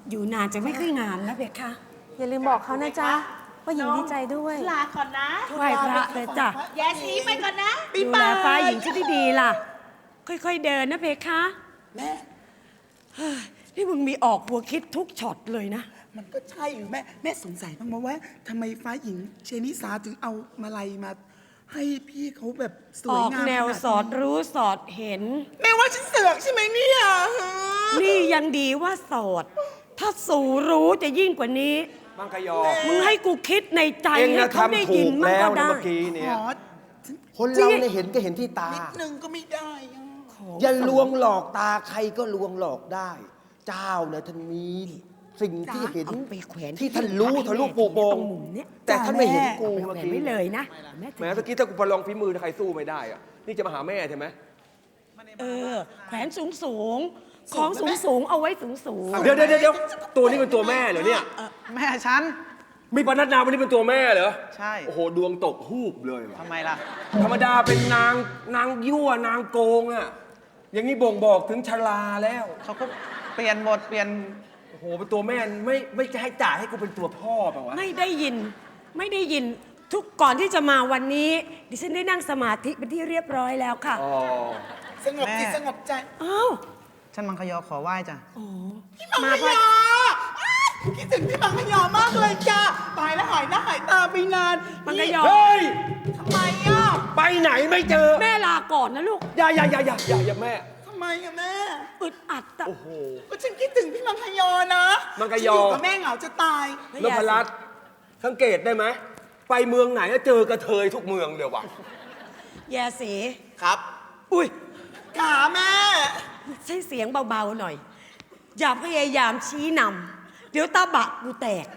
อยู่นานจะไม่ค่อยงามนะเพคะอย่าลืมบอกเขานะจ๊ะว่าหญิงดีใจด้วยลาก่อนนะไหว้พระเลยจ้ะแย่สีไปก่อนนะดูแลฟ้าหญิงที่ดีๆล่ะ ค่อยๆเดินนะเพคะแม่นี่มึงมีออกหัวคิดทุกช็อตเลยนะมันก็ใช่อยู่แม่สงสัยบ้างไหมว่าทำไมฟ้าหญิงเชนิสาถึงเอามาลัยมา ให้พี่เขาแบบสอวยอกงามแนวขนาสอดรู้สอดเห็นแม่ว่าฉันเสือกใช่ไหมเนี่ยนี่ยังดีว่าโสด ถ้าสู่รู้จะยิ่งกว่านี้มังกรยอมึงให้กูคิดในใจเองให้นะเขาได้ทำถูยินกมั่งแล้วก็นะได้เมื่อกี้เนี่ยขอคนเราเนี่ยเห็นก็เห็นที่ตานิดนึงก็ไม่ได้อะอย่าลวงหลอกตาใครก็ลวงหลอกได้ เจ้าเนี่ยท่านมีสิ่งที่เห็นเอาไปแขวนที่ท่านรู้ทะลุปูโปตรง งมุมเนี้ยแต่ท่านไม่เห็นกูเอาไปเมื่อแขวนกี้ไม่เลยนะแหมเมื่อกี้ถ้ากูประลองฝีมือถ้าใครสู้ไม่ได้อะนี่จะมาหาแม่ใช่ไหมแขวนสูงสูงๆของสูงสูงๆเอาไว้สูงสูงเดี๋ยวตัวนี้เป็นตัวแม่เหรอเนี่ยแม่ฉันมีปนัดนาวันนี้เป็นตัวแม่เหรอใช่โอ้โหดวงตกฮูบเลยว่ะทำไมล่ะธรรมดาเป็นนางยั่วนางโกงอะอย่างนี้บ่งบอกถึงชราแล้วเขาก็เปลี่ยนบทเปลี่ยนโอ้โหเป็นตัวแม่ไม่จะให้จ่ายให้กูเป็นตัวพ่อเปล่าวะไม่ได้ยินทุกก่อนที่จะมาวันนี้ ดิฉันได้นั่งสมาธิเป็นที่เรียบร้อยแล้วค่ะอ๋อสงบจิตแม่สงบใจอ้าวฉันมังคยอขอไหว้จ้ะพี่มังคยอคิดถึงพี่มังคยอมากเลยจ้าตายแล้วหายหน้าหายตาไปนานมังกรยอเฮ้ยทำไมอ่ะไปไหนไม่เจอแม่ลาก่อนนะลูกอย่าแม่ทำไมอะแม่อึดอัดอะโอ้โหก็ฉันคิดถึงพี่มังคยอนะมังคยอฉันอยู่กับแม่เหงาจะตายนพรัตน์สังเกตได้ไหม ไปเมืองไหนก็เจอกระเทยทุกเมืองเลยวะแย่สีครับอุ้ยขาแม่ใช้เสียงเบาๆหน่อย อย่าพยายามชี้นำเดี๋ยวตาบะกูแตก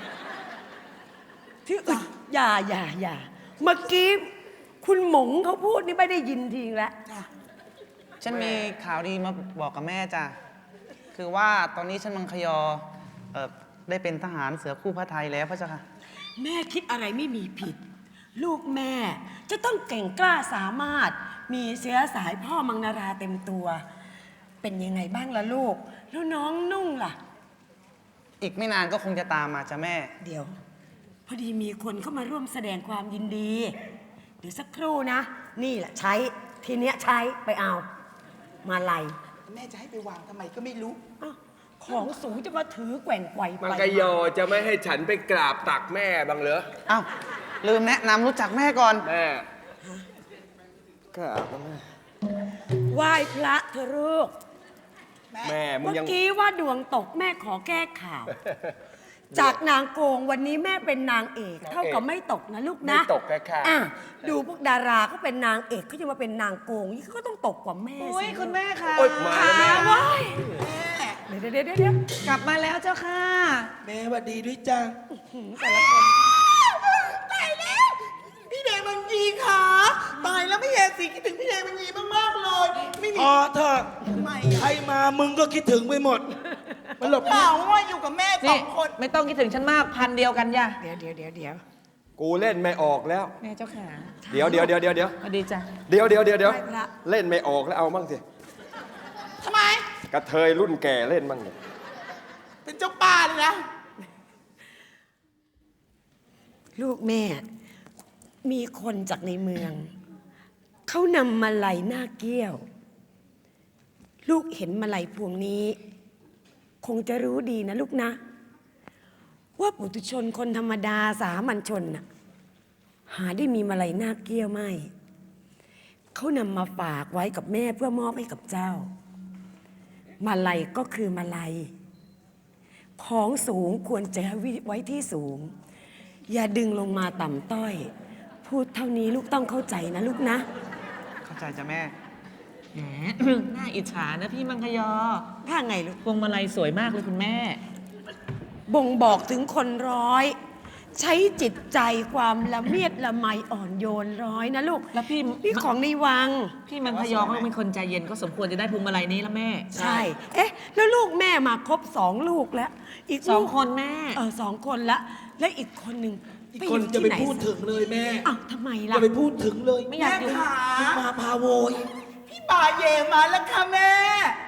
ที่อึดอย่าเมื่อกี้คุณหมงเขาพูดนี่ไม่ได้ยินทีแล้วฉันมีข่าวดีมาบอกกับแม่จ้ะ คือว่าตอนนี้ฉันมังคยอได้เป็นทหารเสือคู่พระไทยแล้วพระเจ้าค่ะแม่คิดอะไรไม่มีผิด ลูกแม่จะต้องเก่งกล้าสามารถมีเชื้อสายพ่อมังนาราเต็มตัว เป็นยังไงบ้างล่ะลูก แล้วน้องนุ่งล่ะอีกไม่นานก็คงจะตามมาจ้ะแม่เดี๋ยว พอดีมีคนเข้ามาร่วมแสดงความยินดี เดี๋ยวสักครู่นะ นี่แหละใช้ทีเนี้ยใช้ไปเอา มาลัยแม่จะให้ไปวางทำไมก็ไม่รู้อ้าวของสูงจะมาถือแกว่งไกวไปมังกรยอจะไม่ให้ฉันไปกราบตักแม่บ้างเหรออ้าว ลืมแนะนำรู้จักแม่ก่อนแม่กราบแม่ไหว้พระเธอะลูกแม่มึงเมื่อยังกี้ว่าดวงตกแม่ขอแก้ข่าว จากนางโกงวันนี้แม่เป็นนางเอก เท่ากับไม่ตกนะลูกนะไม่ตกแค่อ่ะดูพวกดาราเขาเป็นนางเอกเขาจะมาเป็นนางโกงนี่เขาก็ต้องตกกว่าแม่อุ้ยสิคุณแม่ค่ะโอ๊ยมาแล้วแม่ว้ายเดี๋ยวกลับมาแล้วเจ้าค่ะแม่หวัดดีด้วยจ้าแต่ละคนตายแล้ว พี่แดงบางยีค่ะตายแล้วไม่แย่สิคิดถึงพี่แดงบางยีมากๆเลย ไม่มีพอเถอะทำไมใครมามึงก็คิดถึงไปหมด มันหลบเปล่าว่าอยู่กับแม่สนี่องคนไม่ต้องคิดถึงฉันมากพันเดียวกันย่ะเดี๋ยวกูเล่นไม่ออกแล้วแม่เจ้าค่ะเดี๋ยวสวัสดีจ้ะเดี๋ยวไหว้พระเล่นไม่ออกแล้วเอามั่งสิทำไมกระเทยรุ่นแก่เล่นมั่งเนี่ยเป็นเจ้าป่าเลยนะลูกแม่ มีคนจากในเมือง เขานำมาลัยหน้าเกี้ยว ลูกเห็นมาลัยพวงนี้ คงจะรู้ดีนะลูกนะ ว่าปุถุชนคนธรรมดาสามัญชนน่ะหาได้มีมาลัยหน้าเกี้ยวไม่ เขานำมาฝากไว้กับแม่เพื่อมอบให้กับเจ้า มาลัยก็คือมาลัย ของสูงควรจะไว้ที่สูง อย่าดึงลงมาต่ำต้อย พูดเท่านี้ลูกต้องเข้าใจนะลูกนะเข้าใจจ้ะแม่แหม น่าอิจฉานะพี่มังคยอถ้าไงลูกพวงมาลัยสวยมากเลยคุณแม่บ่งบอกถึงคนร้อย ใช้จิตใจความละเมียดละไมอ่อนโยนร้อยนะลูกแล้วพี่นี่ของในวังพี่มังคยอเขาเป็นคนใจเย็นก็สมควรจะได้พวงมาลัยนี้แล้วแม่ใช่ เอ๊ะ แล้วลูกแม่มาครบ2 ลูกแล้ว อีกสองลูกคนแม่ 2 คนละและอีกคนหนึ่งอีกคนจะไปที่หพูดถึงเลยแม่อ้าวทำไมจะล่ะไปพูดถึงเลยไม่อยากอยู่แม่ขามาพาโวยพี่ป่าเย่มาแล้วค่ะแม่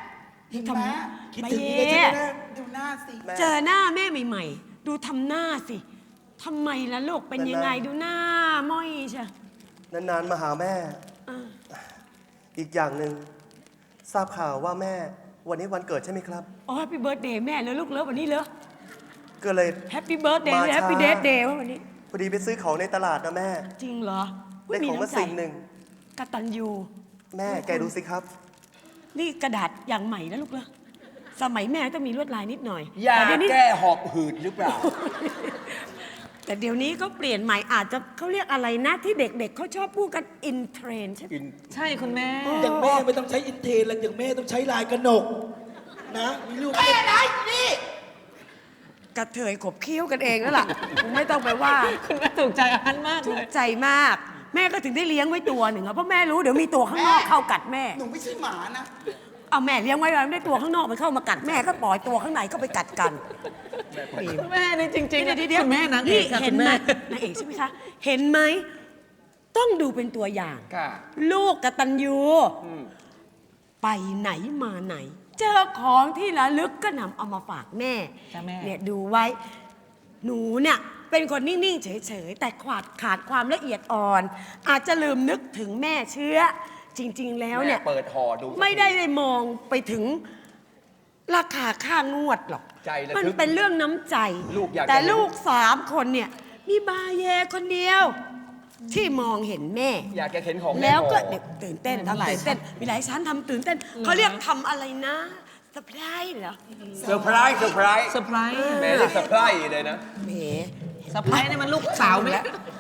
เห็นไหมคิดถึงนี่เลยใช่ไหมนะดูหน้าสิเจอหน้าแม่ใหม่ๆ ดูทำหน้าสิทำไมล่ะลูกเป็นยังไงดูหน้าม้อยใช่นานๆมาหาแม่ อีกอย่างหนึ่งทราบข่าวว่าแม่วันนี้วันเกิดใช่ไหมครับอ๋อแฮปปี้เบิร์ดเดย์แม่เลยลูกเลิฟวันนี้เหรอก็เลยแฮปปี้เบิร์ดเดย์มาช้าแฮปปี้เดย์เดย์วันนี้พอดีไปซื้อของในตลาดนะแม่จริงเหรอได้ของมาสิ่งหนึ่งกตัญญูแม่แกดูสิครับนี่กระดาษอย่างใหม่นะลูกเหรอสมัยแม่ต้องมีลวดลายนิดหน่อยยาแต่เดี๋ยวนี้แก้หอบหืดหรือเปล่าแต่เดี๋ยวนี้ก็เปลี่ยนใหม่อาจจะเขาเรียกอะไรนะที่เด็กๆเขาชอบพูดกันอินเทรนใช่ไหมใช่คุณแม่อย่างแม่ไม่ต้องใช้อินเทนแล้วอย่างแม่ต้องใช้ลายกระหนก นะ มีลูกแม่ไหนนี่กระเทยขบเคี้ยวกันเองแล้วล่ะผมไม่ต้องไปว่าคุณแม่ถูกใจอันมากถูเลกยใจมาก แม่ก็ถึงได้เลี้ยงไว้ตัวหนึ่งอะเพราะแม่รู้เดี๋ยวมีตัวข้างนอกเข้ากัดแม่หนูไม่ใช่หมานะเอาแม่เลี้ยงไว้ไม่ได้ตัวข้างนอกมันเข้ามากัดแม่ก็ปล่อยตัวข้างในก็ไปกัดกันคุณแม่นี่จริงๆเดี๋ยวคุณแม่นางเอกค่ะเห็คุนณไหมแม่นางเอกใช่ไหมคะ เห็นไหมต้องดูเป็นตัวอย่างค่ะลูกกตัญญูไปไหนมาไหน เจอของที่ระลึกก็นำเอามาฝากแม่จ้ะแม่เนี่ยดูไว้ หนูเนี่ยเป็นคนนิ่ง ๆ เฉย ๆ แต่ขาดความละเอียดอ่อน อาจจะลืมนึกถึงแม่เชื้อ จริง ๆ แล้วเนี่ยแม่เปิดห่อดูไม่ได้มองไปถึงราคาค่างวดหรอกใจระทึกมันเป็นเรื่องน้ำใจลูกอยากจะแต่เห็นลูก3 คนเนี่ย มีบาเยคนเดียว ที่มองเห็นแม่อยากจะเห็นของม่แล้วก็ห่อเด็กตื่นเต้นทำตื่นเต้น มีหลายชั้นทำตื่นเต้น เขาเรียกทำอะไรนะเซอร์ไพรส์เหรอเซอร์ไพรส์เซอร์ไพรส์เซอร์ไพรส์แม่เรียกเซอร์ไพรส์เลยนะแหมเซอร์ไพรส์นี่มันลูกสาวแม่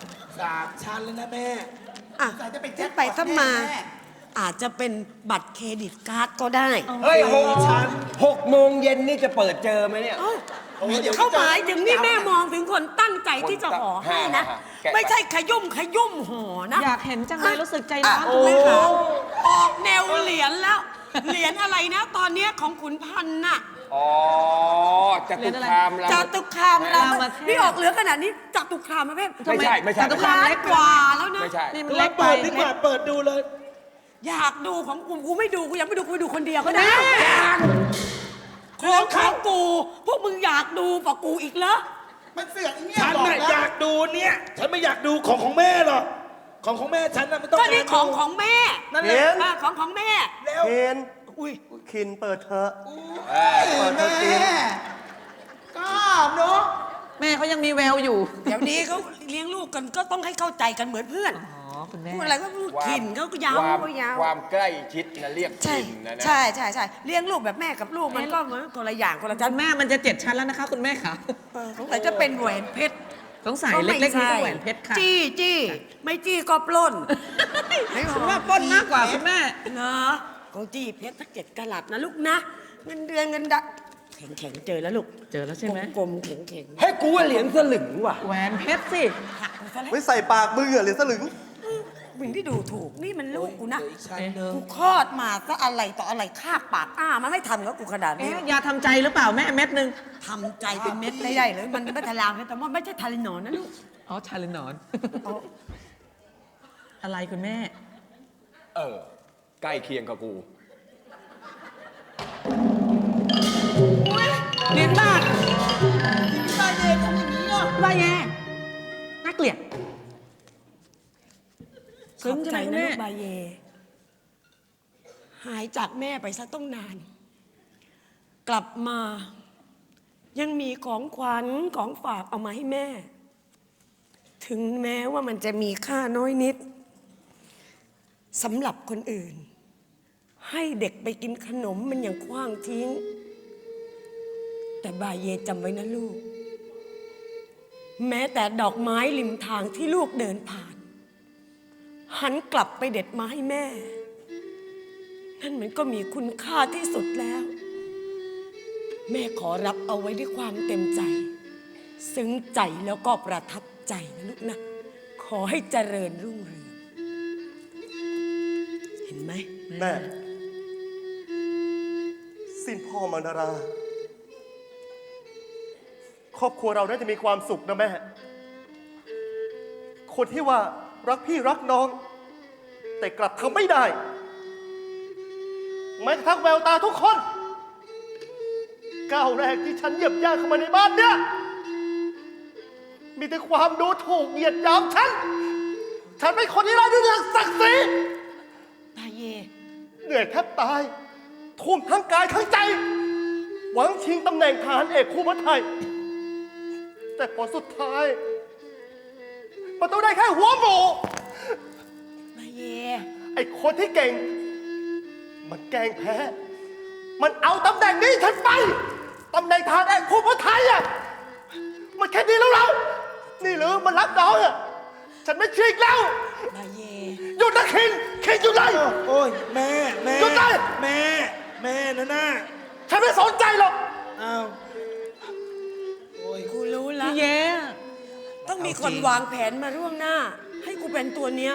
3 ชั้นแล้วนะแม่อ่ะสายจะเป็นแจ็จะคไปพอตถ้ามาแน่อาจจะเป็นบัตรเครดิตการ์ดก็ได้เฮ้ย6 โมงเย็นนี่จะเปิดเจอไหมเนี่ยเอ้าเขาหมายถึงนี่แม่มองถึงคนตั้งใจที่จะห่อให้นะแกะไปไม่ใช่ขยุ่มห่อนะอยากเห็นจังเลยรู้สึกใจร้อนโอ้โหออกแนวเหรียญแล้ว เหรียญอะไรนะ ตอนเนี้ยของขุนพันธ์น่ะอ๋อจตุคามรามจตุคามรามรามเทพนี่ออกเหลือขนาดนี้จตุคามประเภทไม่ใช่ไม่ใช่จตุคามล้านเล็กกว่าแล้วนะไม่ใช่นี่มันเราเล็กไปเปิดดีกว่า เปิดดูเลยอยากดูของกูไม่ดูกูยังไม่ดูกูไปดูคนเดียวก็ได้ของกูพวกมึงอยากดูกว่ากูอีกเหรอมันเสือกไอ้เนี่ยฉันบอกน่ะแล้อยาว กดูเนี่ย ฉันไม่อยากดูของแม่หรอก ของแม่ฉันน่ะไม่ต้องก็นี่การของดูของแม่นั่นแหเห็ละนของแม่แล้วเห็นอุ้ยคินเปิดเถอะแม่ก็เนาะแม่เขายังมีแววอยู่เดี๋ยวนี้เขาเลี้ยงลูกกันก็ต้องให้เข้าใจกันเหมือนเพื่อนอ๋อ คุณแม่พูดอะไรก็พูดขินเขาก็ยาวความก็ยาวความใกล้ชิดนะเรียกใช่ขินนะนะใช่เลี้ยงลูกแบบแม่กับลูกมันก็เหมือนคนละอย่างคนละชั้คุนณแม่มันจะ7 ชั้นแล้วนะคะ คุณแม่ค่ะสงสัยจะเป็นแหวนเพชรสงสัยเล็กๆนี่ก็แหวนเพชรค่ะจี้ไม่จี้ก็ปล้นคุณแม่ปล้นมากกว่าคุณแม่เนาะของจี้เพชรสัก7 กะรัตนะลูกนะเงินเดือนเงินดะแข็งเจอแล้วลูกเจอแล้วใช่ไหมกลมๆแข็งให้กูว่าเหรียญสลึงว่ะแหวนเพชรสิๆหักไปซะแล้วไม่ใส่ปากมึงเหรอเหรียญสลึงมึงที่ดูถูกนี่มันลูกกูนะอีกชั้นหนึ่งกูคลอดมาซะอะไรต่ออะไรคาบปากมันไม่ทำกับกูขนาดนี้เอ๊ะยาทำใจหรือเปล่าแม่เม็ดหนึ่งทำใจเป็นเม็ดได้เลยมันไม่ทะลามแต่ว่าไม่ใช่ทารินอนนะลูกอ๋อ ชาลินนอน อะไรคุณแม่ใกล้เคียงกับกูเหรียญบาทพี่ตาเยทำอย่างนี้อ่ะได้แย่น่าเกลียดขอบใจซึ้งใช่ไหมนะแม่ลูกบาเย หายจากแม่ไปซะต้องนาน กลับมา ยังมีของขวัญของฝากเอามาให้แม่ ถึงแม้ว่ามันจะมีค่าน้อยนิดสำหรับคนอื่น ให้เด็กไปกินขนมมันยังคว้างทิ้ง แต่บาเยจำไว้นะลูก แม้แต่ดอกไม้ริมทางที่ลูกเดินผ่าน หันกลับไปเด็ดมาให้แม่ นั่นมันก็มีคุณค่าที่สุดแล้ว แม่ขอรับเอาไว้ด้วยความเต็มใจ ซึ้งใจแล้วก็ประทับใจนะลูกนะ ขอให้เจริญรุ่งเรืองเห็นไหมแม่สิ้นพ่อมานารา ครอบครัวเราน่าจะมีความสุขนะแม่ คนที่ว่ารักพี่รักน้อง แต่กลับทำไม่ได้แม้กระทั่งแววตาทุกคนก้าวแรกที่ฉันเหยียบย่างเข้ามาในบ้านเนี่ย มีแต่ความดูถูกเหยียดหยามฉัน ฉันเป็นคนที่ไร้ด้วยศักดิ์ศรีบาเยเหนื่อยแทบตาย ทุ่มทั้งกายทั้งใจ หวังชิงตำแหน่งทหารเอกคู่พระไทย แต่ผลสุดท้ายมันต้องได้แค่หัวหมูบาเยไอ้คนที่เก่ง มันแกล้งแพ้ มันเอาตำแหน่งนี้ฉันไป ตำแหน่งทหารเอกคู่พระไทยอ่ะ มันแค่นี้แล้วเรา นี่หรือมันรักน้องอ่ะ ฉันไม่เชื่ออีกแล้วบาเยหยุดนะคินหยุดเลยโอ้ยแม่หยุดเลยแม่นะน่าฉันไม่สนใจหรอกอ้าวโอ้ยกูรู้ละพี่เย่ต้องมีคนวางแผนมาล่วงหน้า ให้กูเป็นตัวเนี้ย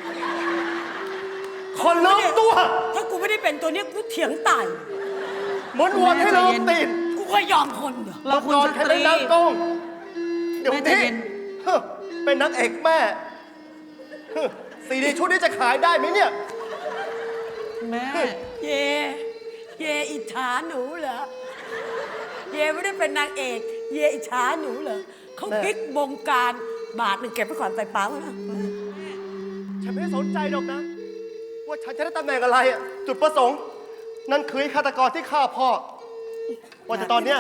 คนลืมตัวถ้ากูไม่ได้เป็นตัวเนี้ยกูเถียงตายเหมือนวัวที่ลืมตีนกูก็ยอมคนเดียวเราคุณก่อนสแค่ตเป็รีนนางโกงเดี๋ยวแม่ใจนี้เย็นเฮ้อเป็นนางเอกแม่เฮ้อซีดีชุดนี้จะขายได้ไหมเนี่ยแม่เย่อิจฉาหนูเหรอ เย่ไม่ได้เป็นนางเอก เย่อิจฉาหนูเหรอเขาแม่พลิกบงการบาทหนึ่งเก็บไปก่อนใส่เป๋านะฉันไม่ได้สนใจหรอกนะ ว่าฉันจะได้ตำแหน่งอะไรอะจุดประสงค์ นั่นคือไอ้ฆาตกรที่ฆ่าพ่อ ว่าแต่ตอนเนี้ย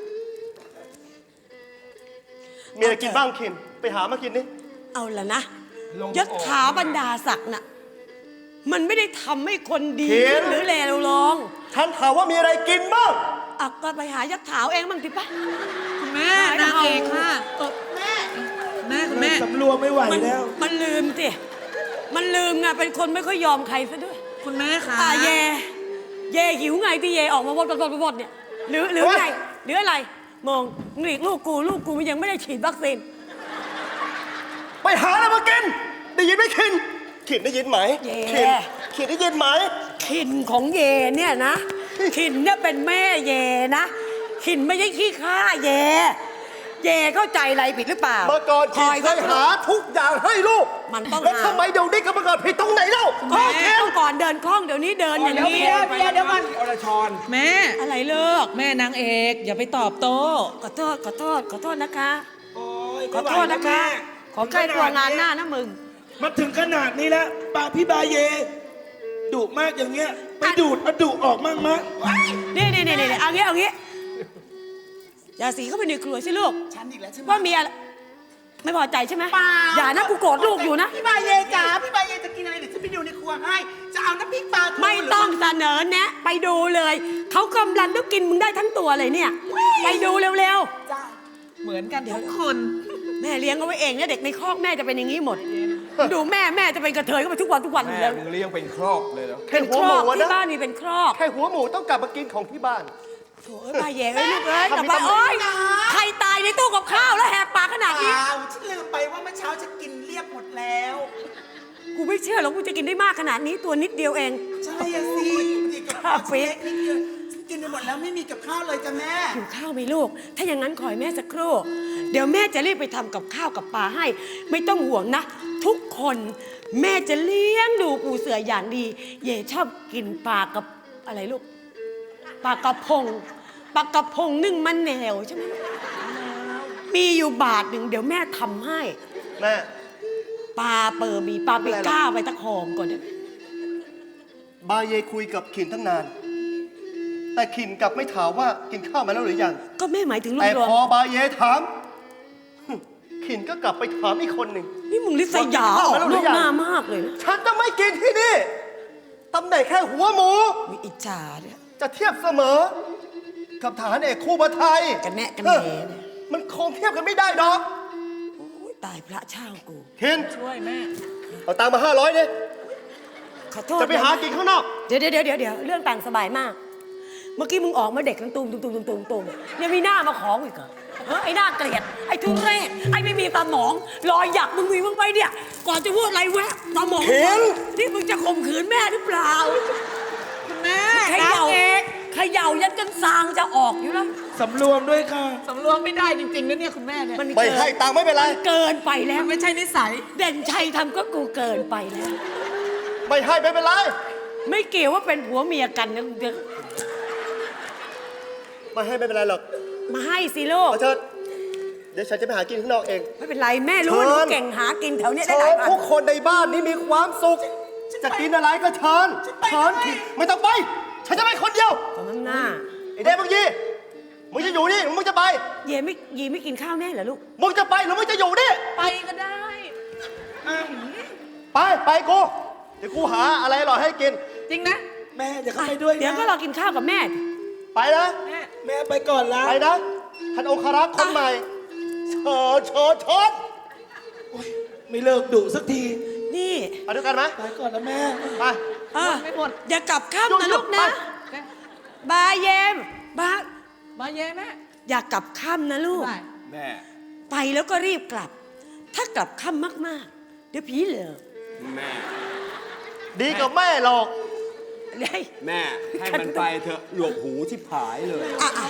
มีอะไรกินบ้างคิน ไปหามากินนี่เอาละนะยศถาบรรดาศักดิ์น่ะ มันไม่ได้ทำให้คนดีขึ้นหรือเลวลงฉันถามว่ามีอะไรกินบ้างอ่ะก็ไปหายศถาเองบ้างสิปะคุณแม่นางเอกค่ะแม่แม่คุณแม่สำรวมไม่ไหวมันแล้วมันลืมสิ มันลืมไงเป็นคนไม่ค่อยยอมใครซะด้วยคุณแม่ค่ะเย่หิวไงที่เย่ออกมาบดเนี่ยหรือไงหรืออะไรมองหลีกลูกกูมันยังไม่ได้ฉีดวัคซีนไปหาอะไรมากิน ได้ยินไหมคิน คินได้ยินไหมเย่คินได้ยินไหมขินของเยเนี่ยนะ ขินเนี่ยเป็นแม่เยนะ ขินไม่ใช่ขี้ข้าเยเข้าใจอะไรผิดหรือเปล่าเมื่อก่อนคคิอน ยเคยหาทุกอย่างให้ลูกมันต้องแล้วหาทำไมเดี๋ยวนี้ก็มาเกิดผิดตรงไหนเล่าก็เที่ยวก่อนเดินคล่องเดี๋ยวนี้เดินอย่างนี้เดี๋ยวก่อนอรชรแม่อะไรเลิกแม่นางเอก อย่าไปตอบโต้ขอโทษนะคะโอ้ยขอโทษนะคะ ขอใกล้ตัวงานหน้านะมึงมาถึงขนาดนี้แล้วปากพี่บาเยดุมากอย่างเงี้ยไปดูดเอาดุออกมั่งมะนี่เอางี้อย่าสีเข้าไปในครัวสิลูกฉันอีกแล้วใช่ไหมว่ามีอะไรไม่พอใจใช่ไหมเปล่าอย่านะกูโกรธลูกอยู่นะพี่บายเยจ๋าพี่บายเยจะกินอะไรเดี๋ยวฉันไปดูในครัวให้ จะเอาน้ำพริกปลาทูไม่ต้องเสนอแนะไปดูเลย เขากำลังต้องกินมึงได้ทั้งตัวเลยเนี่ย ไปดูเร็วจ้าเหมือนกันทุกคนๆ แม่เลี้ยงเอาไว้เองเนี่ยเด็กในคอกแม่จะเป็นอย่างนี้หมด ดูแม่จะเป็นกระเทยก็ไปทุกวันอยู่แม่แล้วมึงเลี้ยงเป็นครอบเลยเหรอแค่เป็นหัควหรมูอกอะที่นะบ้านมีเป็นครอกแค่หัวหมูต้องกลับมากินของที่บ้านโถ่ป้าแย่เอ้ยลูกเอ้ยทำกลับไมมาต้องโอ๊ยใครตายในตู้กับข้าวแล้วแหกปากขนาดนี้อ้าวฉันลืมไปว่าเมื่อเช้าจะกินเรียบหมดแล้วกูไม่เชื่อหรอกกูจะกินได้มากขนาดนี้ตัวนิดเดียวเองใช่อะสิดีกับข้าวเล็กนิดเดียวฉันกินไปหมดแล้วไม่มีกับข้าวเลยจ้ะแม่หิวข้าวไหมลูก ถ้าอย่างนั้นขอให้แม่สักครู่ เดี๋ยวแม่จะรีบไปทำกับข้าวกับปลาให้ ไม่ต้องห่วงนะ ทุกคนแม่จะเลี้ยงดูปูเสืออย่างดี เย่ชอบกินปลากับอะไรลูก ปลากระพง ปลากระพงนึ่งมะแนาวใช่ไหมมีอยู่บาทหนึ่งเดี๋ยวแม่ทำให้แม่ปลาเปิดมีปลาไปก้าไปตะคองก่อนเดี๋ยวบาเยคุยกับขินตั้งนาน แต่ขินกลับไม่ถามว่ากินข้าวมาแล้วหรือยังก็แม่หมายถึงลูแต่กรวมพอบาเยถามขินก็กลับไปถามอีกคนหนึ่งนี่มึงลิษยาออกลูกหน้ามากเลยนะฉันจะไม่กินที่นี่ ตำแหน่งแค่หัวหมูมีอิจฉาเนี่ยจะเทียบเสมอ กับทหารเอกคู่พระไทยกันแน่กันแน่เนี่ยมันคงเทียบกันไม่ได้ดอกโอ้ยตายพระเช่ากูขินช่วยแม่เอาตังค์มา500เนี่ยขอโทษจะไปหากินข้างนอกเดี๋ยวเรื่องต่างสบายมาก เมื่อกี้มึงออกมาเด็กกันตุมยังมีหน้ามาขออีกเหรอไอ้หน้าเกลียดไอ้ทุเรศไอ้ไม่มีสมองรอยหยักมึงมีบ้างไหมเนี่ยก่อนจะพูดอะไรแวะสมองเห็นนี่มึงจะข่มขืนแม่หรือเปล่าคุณแม่เขย่าเขย่ายันกันซางจะออกอยู่แล้วสำรวมด้วยค่ะสำรวมไม่ได้จริงๆนะเนี่ยคุณแม่เนี่ยมันไม่ให้ตังค์ไม่เป็นไรเกินไปแล้วไม่ใช่นิสัยเด่นชัยทำก็กูเกินไปแล้วไม่ให้ไม่เป็นไรไม่เกี่ยวว่าเป็นผัวเมียกันนะไมาให้ไม่เป็นไรหรอกมาให้สิลูกเอาเชิญเดี๋ยวฉันจะไปหากินข้างนอกเองไม่เป็นไรแม่รู้ว่าหนูเก่งหากินแถวเนี้ยได้เชิหลายญพันทุกคนในบ้านนี้มีความสุข จะกินอะไรก็เชิญเชิญไม่ต้องไป ฉันจะไปคนเดียวสมน้ำหน้าไอ้เด็กมึงยี่มึงจะอยู่นี่หรือมึงจะไปเย่ไม่กินข้าวแน่เหรอลูกมึงจะไปหรือมึงจะอยู่นี่ไปก็ได้ไปกู เดี๋ยวกูหาอะไรอร่อยให้กินจริงนะแม่อย่าเข้าไปด้วยนะเดี๋ยวก็รอกินข้าวกับแม่ไปนะแม่ไปก่อนละไปนะ ท่านองครักษ์คนใหม่เชิญไม่เลิกดุสักทีนี่ไปด้วยกันไหมไปก่อนนะแม่ไปไม่หมดอย่ากลับข้ามหยุดนะหยุลูดกนะไปบาเยมบามาเย่แม่อย่ากลับค่ำนะลูกได้แม่ไปแล้วก็รีบกลับ ถ้ากลับค่ำมากๆ เดี๋ยวผีเหลือกแม่ดีกับแม่หรอกเลยแม่ ให้มันไปเถอะหลวกหูที่ผายเลย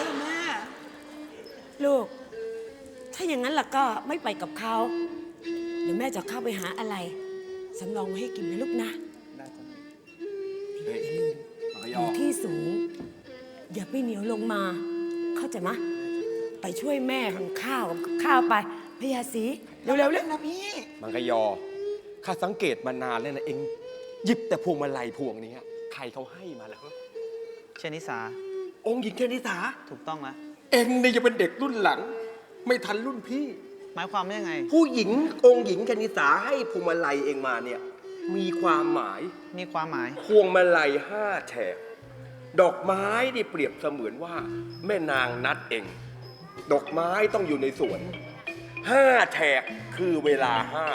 ลูก ถ้าอย่างนั้นล่ะก็ไม่ไปกับเขา เดี๋ยวแม่จะเข้าไปหาอะไรสำรองไว้ให้กินนะลูกนะเฮ้ยมังกรอย ยู่ที่สูง อย่าไปเหนียวลงมา เข้าใจมะ ไปช่วยแม่ทำข้าวกับข้าวไปพญาศรีเร็วๆเร็วนะพี่มังกรยอ ข้าสังเกตมานานแล้วนะเอง หยิบแต่พวงมาลัยพวงนี้ใครเขาให้มาแล้วเชนิสาองค์หญิงเทนิสาถูกต้องนะเองนี่จะเป็นเด็กรุ่นหลัง ไม่ทันรุ่นพี่หมายความว่ายังไงผู้หญิงองค์หญิงเทนิสาให้พวงมาลัยเองมาเนี่ย มีความหมายมีความหมายพวงมาลัย5 แฉก ดอกไม้ที่เปรียบเสมือนว่า แม่นางนัดเอง ดอกไม้ต้องอยู่ในสวน 5 แฉกคือเวลา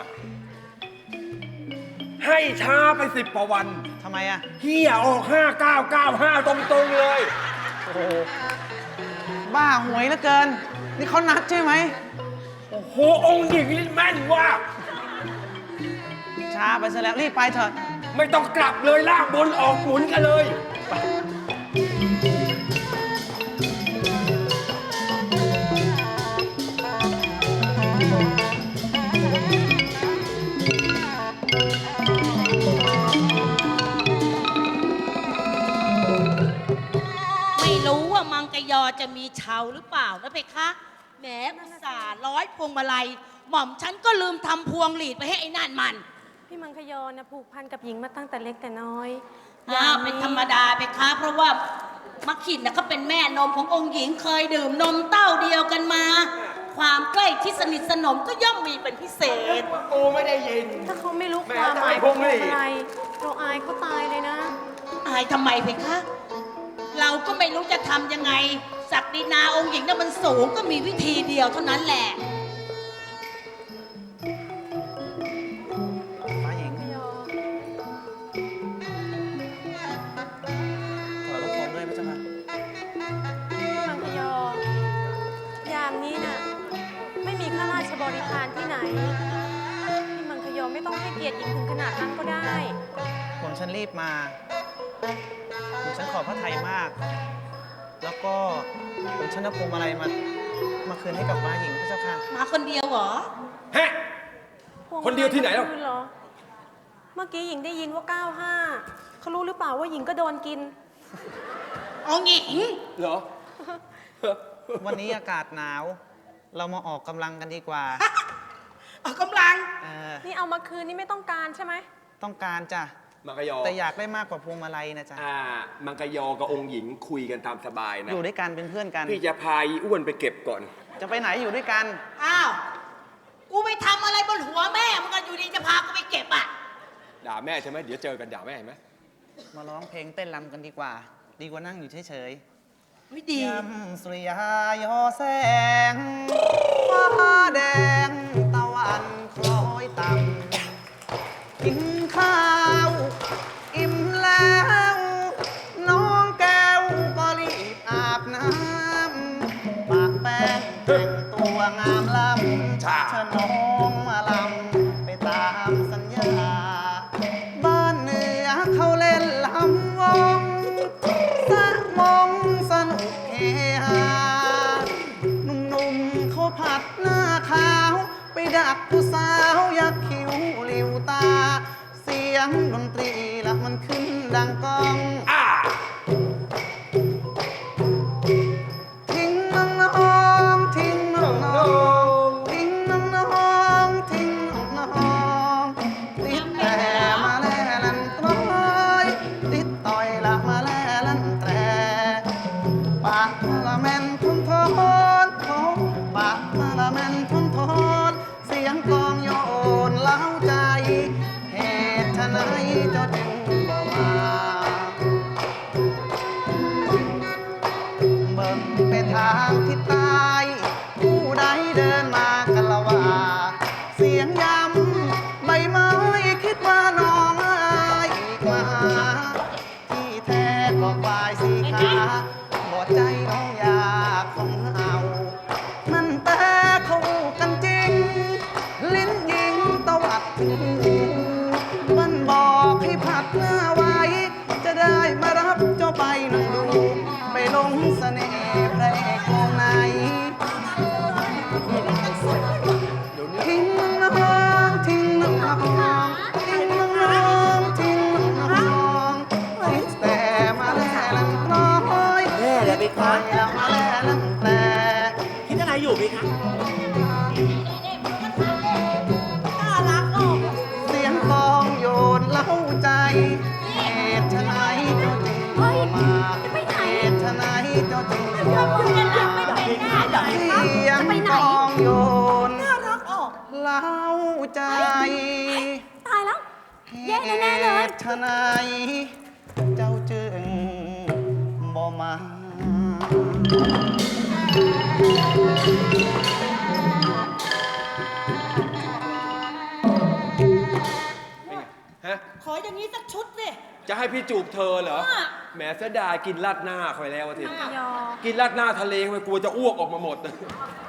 5 ให้ช้าไป10 กว่าวันทำไมอะเฮียออก 5995 ตรงๆเลยโอ้โห บ้าหวยเหลือเกิน นี่เขานัดใช่ไหมโอ้โห องค์หญิงนี่แม่นว่าช้าไปซะแล้ว รีบไปเถอะไม่ต้องกลับเลยลากบนออกหมุนกันเลยไม่รู้ว่ามังกรยอจะมีเชาหรือเปล่านะเพคะแหมอุตส่าห์ร้อยพวงมาลัย หม่อมฉันก็ลืมทำพวงหลีดไปให้ไอ้นั่นมันพี่มังคยอนะผูกพันกับหญิงมาตั้งแต่เล็กแต่น้อยเป็นธรรมดาเพคะ เพราะว่ามักขินนะก็เป็นแม่นมขององค์หญิงเคยดื่มนมเต้าเดียวกันมา ความใกล้ชิดสนิทสนมก็ย่อมมีเป็นพิเศษกูไม่ได้ยินถ้าเขาไม่รู้แม่ความหมายจะให้ของพวงหลีดอะไร เราอายเขาตายเลยนะอายทำไมเพคะ เราก็ไม่รู้จะทำยังไง ศักดินาองค์หญิงนั้นมันสูงก็มีวิธีเดียวเท่านั้นแหละฟ้าหญิงยอถอยรถผมด้วยพระเจ้าค่ะพี่มังคยอยามนี้น่ะไม่มีข้าราชบริพารที่ไหน พี่มังคยอไม่ต้องให้เกียรติหญิงถึงขนาดนั้นก็ได้ผมฉันรีบมา ผมฉันขอพระไทยมาก แล้วก็ผมฉันเอาพวงมาลัยมาคืนให้กับฟ้าหญิงพระเจ้าค่ะมาคนเดียวเหรอฮะ คนเดียวที่ไหนหรอคืเหรอ เมื่อกี้หญิงได้ยินว่า 95เขารู้หรือเปล่าว่าหญิงก็โดนกินองค์หญิงเหรอวันนี้อากาศหนาว เรามาออกกำลังกันดีกว่าออกกำลังเออนี่เอามาคืนนี่ไม่ต้องการใช่ไหมต้องการจ้ะมังกรยอแต่อยากได้มากกว่าพวงมาลัยนะจ๊ะมังกรยอกับองค์หญิงคุยกันตามสบายนะอยู่ด้วยกันเป็นเพื่อนกันพี่จะพาอีอ้วนไปเก็บก่อนจะไปไหนอยู่ด้วยกันอ้าว กูไปทำอะไรบนหัวแม่มันก็อยู่ดีจะพากูไปเก็บอ่ะด่าแม่ใช่ไหมเดี๋ยวเจอกันด่าแม่เห็นไหมมาร้องเพลงเต้นรำกันดีกว่า ดีกว่านั่งอยู่เฉยไม่ๆดียำสุริยายอแสงฟ้าแดงตะวันคล้อยต่ำกินข้าว อิ่มแล้ว น้องแก้วก็รีบอาบน้ำปากแป้งแต่งตัวงามล้ำเชิญน้องมาลำไปตามสัญญา บ้านเหนือเขาเล่นลำวงสะมงสนุกเฮฮาหนุ่มๆเขาผัดหน้าขาว ไปดักผู้สาวยักคิ้วหลิวตา เสียงดนตรีละมันขึ้นดังก้องทางทิศใต้ผู้ใดเดินมากันละว่า เสียงย้ำใบไม้คิดว่าน้องอายอีกมา ที่แท้ก็ควายสีขาบอดใจน้องอยากของเอามันแต่เข้ากันจริง ลิ้นยิงตวัดถึงหูมันบอกให้ผัดหน้าไว้ จะได้มารับเจ้าไปนั่งดู ไปลงเสน่ห์พระเอกวงไหนทิ้งน้องทิ้งน้องทิ้งน้องทิ้งน้องแต่มาแลลังน้อยแม่เลยไปคอยแล้วมาแลลังแต่คิดอะไรอยู่พี่คะน่ารักออกเสียงกลองโยนเล้าใจเหตุไฉนเจ้าจึงเข้ามาเหตุไฉนเจ้าจึงเข้ามาเสียงกลองโยนน่ารักออกเล้าใจตายแล้วแย่แน่ๆเลยเหตุไฉนเจ้าจึงบ่มาฮะขออย่างนี้สักชุดสิจะให้พี่จูบเธอเหรออ่ะแหมเสียดายกินราดหน้าคอยแล้วอะทีมังคยอกินราดหน้าทะเลไปกลัวจะอ้วกออกมาหมด